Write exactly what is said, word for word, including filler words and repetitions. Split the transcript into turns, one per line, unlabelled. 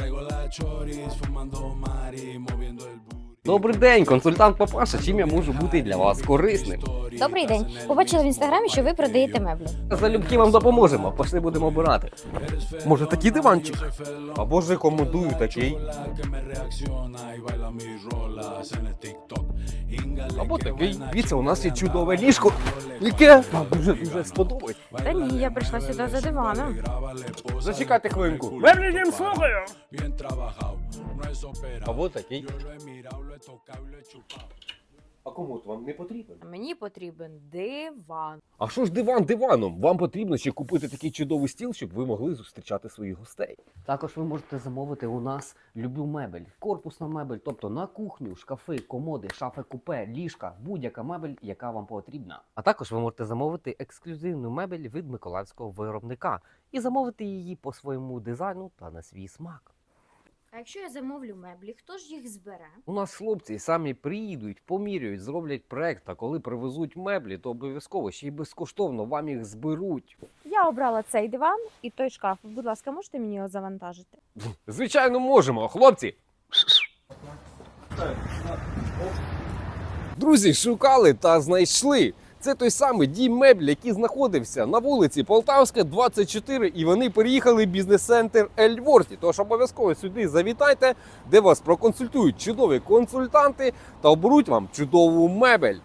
Добрий день, консультант Папаша. Чим я можу бути для вас корисним?
Добрий день. Побачила в інстаграмі, що ви продаєте меблі.
Залюбки вам допоможемо. Пошли будемо обирати.
Може такий диванчик? Або ж рекомендую такий.
Або такий. Дивіться, у нас є чудове ліжко. Яке вам дуже дуже сподобається.
Та ні, я прийшла сюди за диваном.
Зачекайте хвилинку.
Меблі їм слухаю!
Або такий. А кому от вам не потрібен?
Мені потрібен диван.
А що ж диван диваном? Вам потрібно ще купити такий чудовий стіл, щоб ви могли зустрічати своїх гостей. Також ви можете замовити у нас любу мебель, корпусна мебель, тобто на кухню, шкафи, комоди, шафи купе, ліжка, будь-яка мебель, яка вам потрібна. А також ви можете замовити ексклюзивну мебель від миколаївського виробника і замовити її по своєму дизайну та на свій смак.
А якщо я замовлю меблі, хто ж їх збере?
У нас хлопці самі приїдуть, поміряють, зроблять проект, а коли привезуть меблі, то обов'язково ще й безкоштовно вам їх зберуть.
Я обрала цей диван і той шкаф. Будь ласка, можете мені його завантажити?
Звичайно, можемо, хлопці. Друзі, шукали та знайшли. Це той самий дім меблі, який знаходився на вулиці Полтавська, двадцять чотири, і вони переїхали в бізнес-центр Ельворті. Тож обов'язково сюди завітайте, де вас проконсультують чудові консультанти та оберуть вам чудову мебель.